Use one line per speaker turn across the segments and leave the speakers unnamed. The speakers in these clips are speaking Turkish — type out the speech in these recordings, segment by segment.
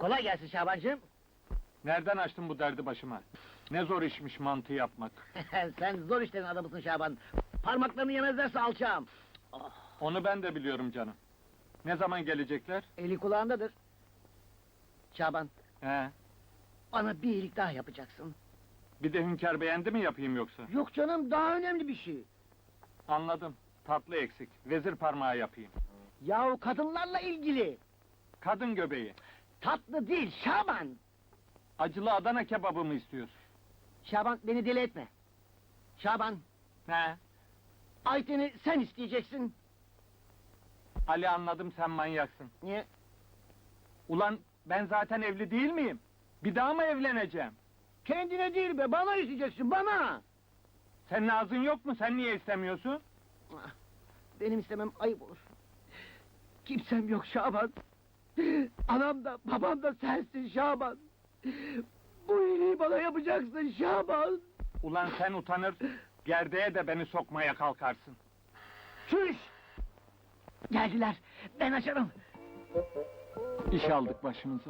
Kolay gelsin Şabancığım.
Nereden açtın bu derdi başıma? Ne zor işmiş mantı yapmak.
Sen zor işlerin adamısın Şaban. Parmaklarını yemezlerse alçağım.
Onu ben de biliyorum canım. Ne zaman gelecekler?
Eli kulağındadır. Şaban,
He.
bana bir iyilik daha yapacaksın.
Bir de Hünkar beğendi mi yapayım yoksa?
Yok canım, daha önemli bir şey.
Anladım. Tatlı eksik. Vezir parmağı yapayım.
Yahu kadınlarla ilgili.
Kadın göbeği.
Tatlı değil Şaban.
Acılı Adana kebabı mı istiyorsun?
Şaban, beni deli etme. Şaban,
He.
Ayten'i sen isteyeceksin.
Ali anladım sen manyaksın.
Niye?
Ulan ben zaten evli değil miyim? Bir daha mı evleneceğim?
Kendine değil be, bana isteyeceksin, bana!
Senin ağzın yok mu? Sen niye istemiyorsun?
Benim istemem ayıp olur. Kimsem yok Şaban. Anam da babam da sensin Şaban. Bu iyiliği bana yapacaksın Şaban.
Ulan sen utanır, gerdeğe de beni sokmaya kalkarsın.
Çüş! Geldiler, ben açarım.
İş aldık başımıza.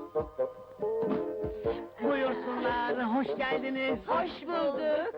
Buyursunlar, hoş geldiniz.
Hoş bulduk.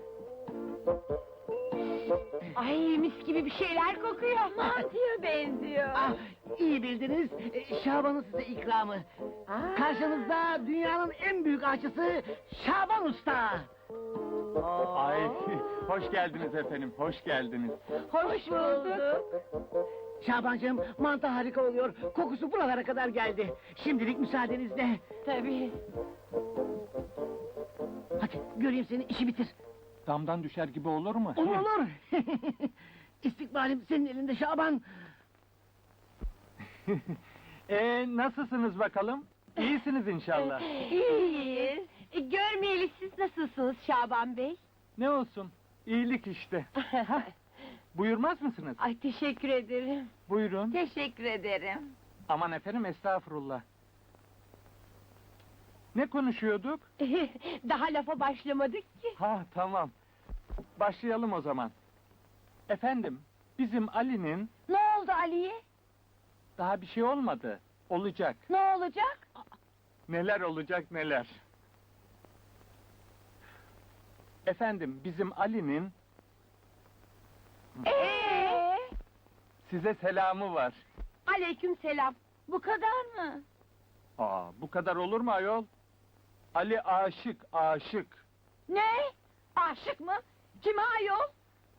Ay mis gibi bir şeyler kokuyor. Mantıya benziyor.
Ah, iyi bildiniz, Şaban'ın size ikramı. Karşınızda dünyanın en büyük aşçısı Şaban Usta.
Ay, hoş geldiniz efendim, hoş geldiniz.
Hoş bulduk.
Şabancığım, mantı harika oluyor. Kokusu buralara kadar geldi. Şimdilik müsaadenizle.
Tabii.
Hadi göreyim seni, işi bitir.
Damdan düşer gibi olur mu?
Olur olur. İstikbalim senin elinde Şaban.
Nasılsınız bakalım? İyisiniz inşallah.
İyiyiz. Görmeyeli siz nasılsınız Şaban Bey?
Ne olsun, iyilik işte. Buyurmaz mısınız?
Ay teşekkür ederim.
Buyurun.
Teşekkür ederim.
Aman efendim, estağfurullah. Ne konuşuyorduk?
Daha lafa başlamadık ki.
Ha, tamam. Başlayalım o zaman. Efendim, bizim Ali'nin
Ne oldu Ali'ye?
daha bir şey olmadı. Olacak.
Ne olacak?
Neler olacak neler. Efendim, bizim Ali'nin size selamı var.
Aleyküm selam. Bu kadar mı?
Bu kadar olur mu ayol? Ali aşık, aşık.
Ne? Aşık mı? Kime ayol?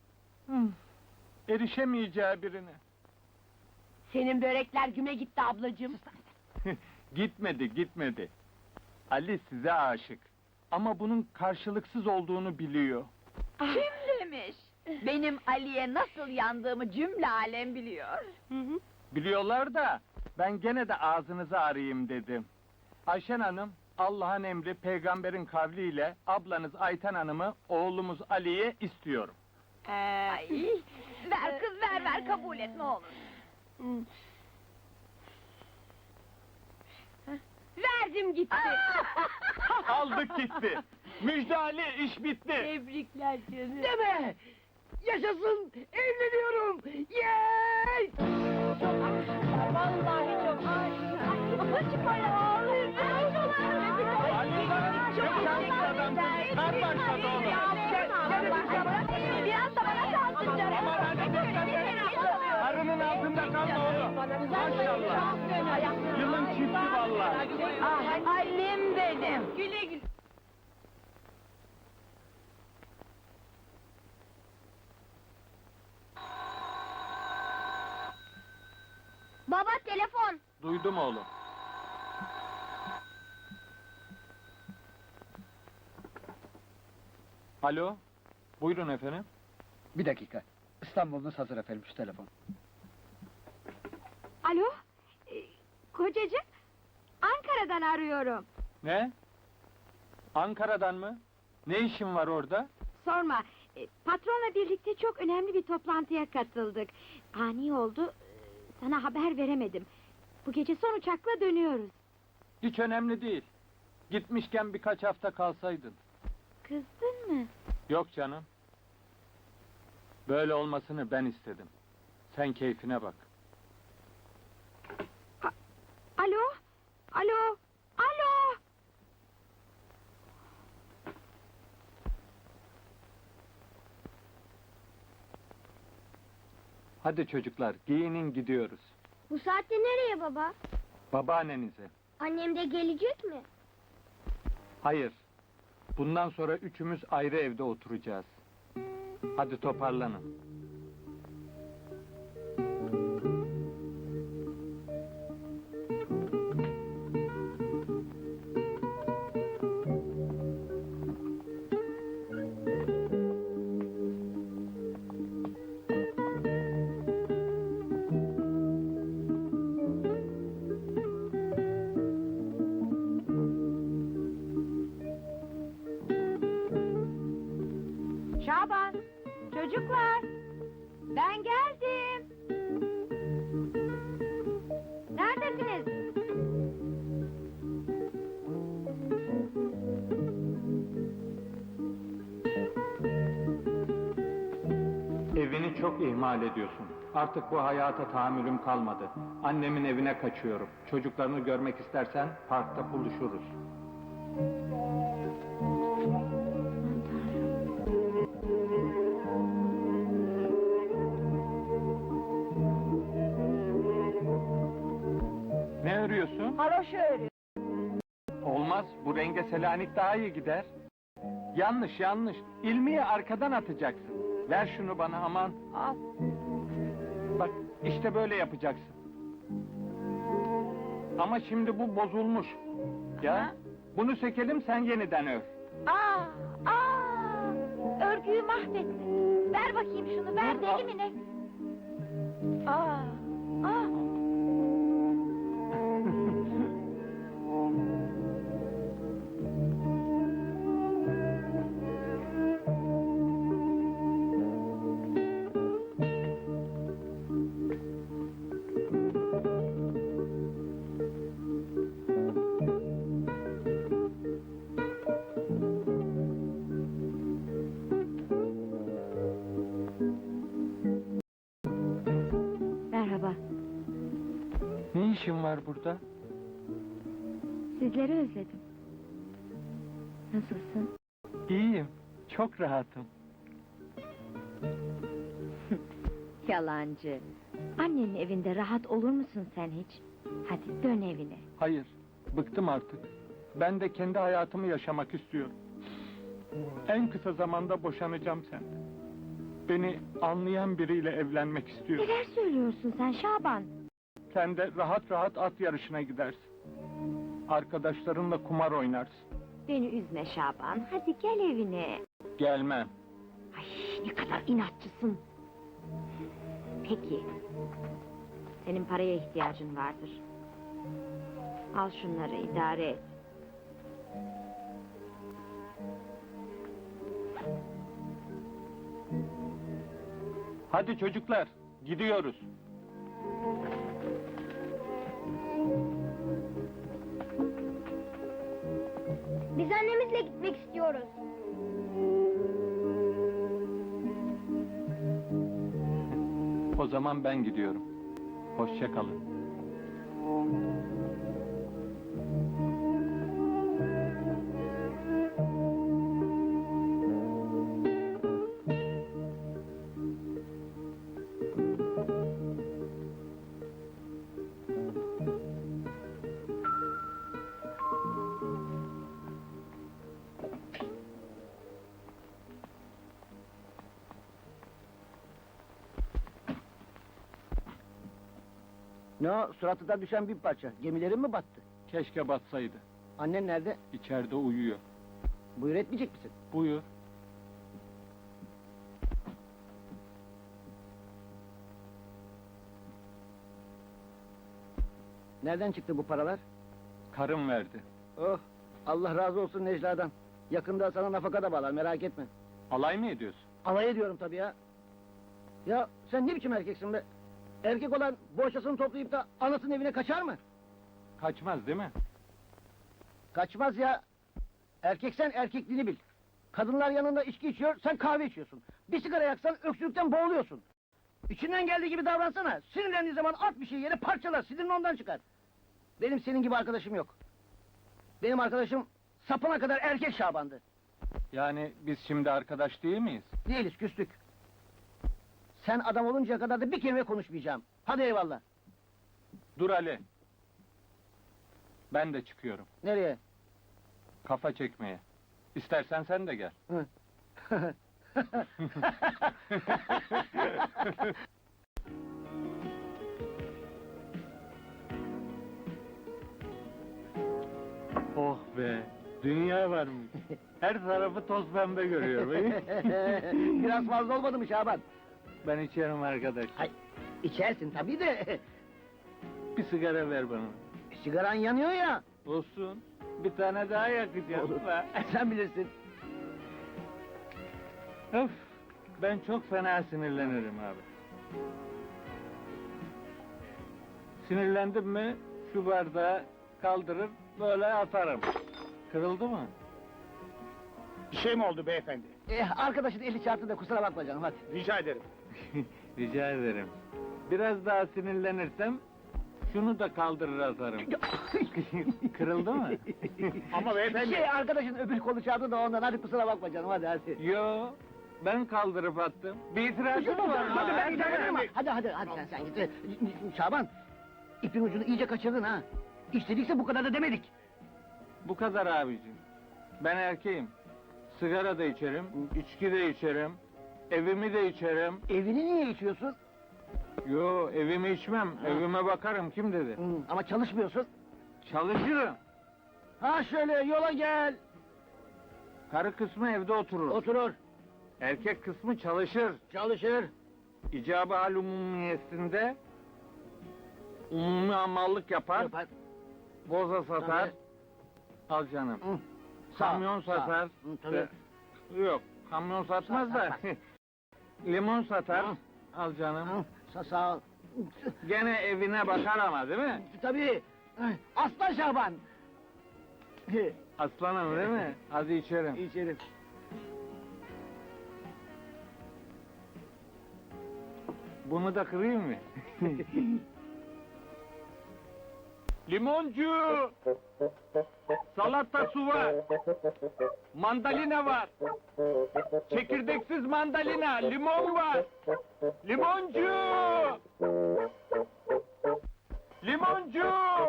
Erişemeyeceği birine.
Senin börekler güme gitti ablacığım.
Gitmedi, gitmedi. Ali size aşık. Ama bunun karşılıksız olduğunu biliyor.
Kim demiş? Benim Ali'ye nasıl yandığımı cümle alem biliyor.
Biliyorlar da, ben gene de ağzınızı arayayım dedim. Ayşen Hanım, Allah'ın emri, peygamberin kavliyle ablanız Ayten Hanım'ı, oğlumuz Ali'ye istiyorum.
Ay, ver kız ver kabul et ne olur. Verdim gitti.
Aldık gitti. Müjde Ali, iş bitti.
Tebrikler canım.
Deme! Yaşasın! Evleniyorum! Yey!
Çok aşıklar, vallahi çok aşıklar. Babacım böyle ağlıyor.
Ali, çok şanslı adamsın. Kar başladı oğlum.
Biraz da bana kalsın canım.
Aman hadi karının altında kalma oğlum. Maşallah. Yılın çifti vallahi.
Ah, Ali'm benim. Güle güle.
Baba telefon.
Duydum oğlum. Alo, buyurun efendim.
Bir dakika. İstanbul'unuz hazır efendim, şu telefon.
Alo? Kocacığım, Ankara'dan arıyorum.
Ne? Ankara'dan mı? Ne işin var orada?
Sorma, patronla birlikte çok önemli bir toplantıya katıldık. Ani oldu, sana haber veremedim. Bu gece son uçakla dönüyoruz.
Hiç önemli değil. Gitmişken birkaç hafta kalsaydın.
Kızdın mı?
Yok canım. Böyle olmasını ben istedim. Sen keyfine bak.
Alo? Alo?
Hadi çocuklar, giyinin gidiyoruz.
Bu saatte nereye baba?
Babaannenize.
Annem de gelecek mi?
Hayır. Bundan sonra üçümüz ayrı evde oturacağız. Hadi toparlanın.
Şaban, çocuklar, ben geldim. Neredesiniz?
Evini çok ihmal ediyorsun. Artık bu hayata tahammülüm kalmadı. Annemin evine kaçıyorum. Çocuklarını görmek istersen parkta buluşuruz. Ne örüyorsun?
Haroşa örüyor.
Olmaz, bu renge Selanik daha iyi gider. Yanlış, yanlış. İlmiyi arkadan atacaksın. Ver şunu bana aman.
Al.
Bak, işte böyle yapacaksın. Ama şimdi bu bozulmuş. Ya, bunu sökelim sen yeniden ör.
Örgüyü mahvettin. Ver bakayım şunu, ver
Dur,
deli mi ne? Merhaba,
Ne işin var burada?
sizleri özledim. Nasılsın?
İyiyim, çok rahatım.
Yalancı. Annenin evinde rahat olur musun sen hiç? Hadi dön evine.
Hayır, bıktım artık. Ben de kendi hayatımı yaşamak istiyorum. En kısa zamanda boşanacağım senden. Beni anlayan biriyle evlenmek istiyorum.
Neler söylüyorsun sen Şaban?
Sen de rahat rahat at yarışına gidersin. Arkadaşlarınla kumar oynarsın.
Beni üzme Şaban, hadi gel evine.
Gelmem.
Ay ne kadar inatçısın. Peki. Senin paraya ihtiyacın vardır. Al şunları idare et.
Hadi çocuklar, gidiyoruz.
Biz annemizle gitmek istiyoruz.
O zaman ben gidiyorum. Hoşça kalın.
Ne o, suratından düşen bir parça. Gemilerin mi battı?
Keşke batsaydı.
Annen nerede?
İçeride uyuyor.
Buyur etmeyecek misin?
Buyur.
Nereden çıktı bu paralar?
Karım verdi.
Oh, Allah razı olsun Necla'dan. Yakında sana nafaka da bağlar, merak etme.
Alay mı ediyorsun?
Alay ediyorum tabii ya. Ya sen ne biçim erkeksin be? Erkek olan bohçasını toplayıp da anasının evine kaçar mı?
Kaçmaz değil mi?
Kaçmaz ya. Erkeksen erkekliğini bil. Kadınlar yanında içki içiyor, sen kahve içiyorsun. Bir sigara yaksan öksürükten boğuluyorsun. İçinden geldiği gibi davransana. Sinirlendiği zaman at bir şey yere parçalar, sinirini ondan çıkar. Benim senin gibi arkadaşım yok. Benim arkadaşım sapına kadar erkek Şaban'dı.
Yani biz şimdi arkadaş değil miyiz?
Değiliz, küstük. Sen adam oluncaya kadar da bir kelime konuşmayacağım. Hadi eyvallah.
Dur Ali. Ben de çıkıyorum.
Nereye?
Kafa çekmeye. İstersen sen de gel. Oh be! Dünya varmış. Her tarafı toz pembe görüyorum.
Biraz fazla olmadı mı Şaban?
Ben içerim arkadaş.
Ay, içersin tabii de.
Bir sigara ver bana.
Sigaran yanıyor ya.
Olsun. Bir tane daha yakacağım.
Olur. Sen bilirsin.
Öf! Ben çok fena sinirlenirim abi. Sinirlendim mi şu bardağı kaldırır böyle atarım. Kırıldı mı?
Bir şey mi oldu beyefendi?
Arkadaşın eli çarptı da kusura bakma canım hadi.
Rica ederim.
Rica ederim. Biraz daha sinirlenirsem şunu da kaldırır atarım. Kırıldı mı?
Ama beyefendi...
Arkadaşın öbür kolu çarptı da ondan hadi kusura bakma canım hadi.
Yo, ben kaldırıp attım. Bir itirazın mı var?
Hadi ben
Hadi,
giderim.
hadi.
Hadi sen git. Şaban, ipin ucunu iyice kaçırdın ha. İstedikse bu kadar da demedik.
Bu kadar abicim. Ben erkeğim. Sigara da içerim, içki de içerim, evimi de içerim.
Evini niye içiyorsun?
Yo, evimi içmem, evime bakarım, kim dedi?
Ama çalışmıyorsun.
Çalışırım.
Ha şöyle yola gel.
Karı kısmı evde oturur.
Oturur,
Erkek kısmı çalışır.
çalışır.
İcabı hal umumiyesinde umumi hamallık yapar,
Yapar.
boza satar.
Tabii.
Al canım.
Hı. Sağ,
Kamyon
sağ.
satar.
Hı, tabii.
Yok, kamyon satmaz da. Limon satar.
Hı.
Al canım.
Sağ ol.
Gene evine bakar ama değil mi?
Tabii. Aslan Şaban.
Aslanım değil mi? Hadi içerim.
İçerim.
Bunu da kırayım mı? Limoncu! Salata su var. Mandalina var. Çekirdeksiz mandalina, limon var. Limoncu! Limoncu!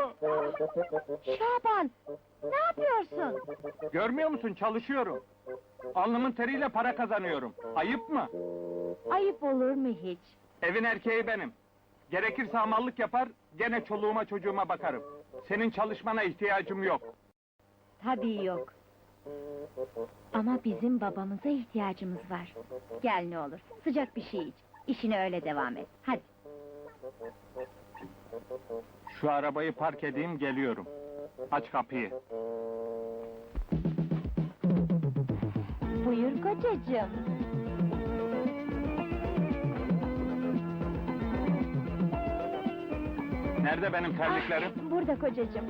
Şaban, ne yapıyorsun?
Görmüyor musun? Çalışıyorum. Alnımın teriyle para kazanıyorum. Ayıp mı?
Ayıp olur mu hiç?
Evin erkeği benim. Gerekirse hamallık yapar, gene çoluğuma çocuğuma bakarım. Senin çalışmana ihtiyacım yok.
Tabii yok. Ama bizim babamıza ihtiyacımız var. Gel ne olur, sıcak bir şey iç. İşine öyle devam et. Hadi.
Şu arabayı park edeyim, geliyorum. Aç kapıyı.
Buyur kocacığım.
Nerede benim terliklerim?
Burada kocacığım.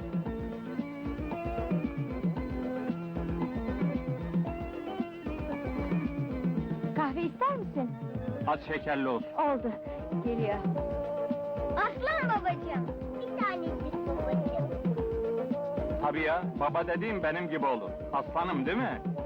Kahve ister misin?
Az şekerli olsun.
Oldu. Geliyor.
Aslan babacığım. Bir tanecik babacığım.
Tabii ya, baba dediğim benim gibi olur. Aslanım değil mi?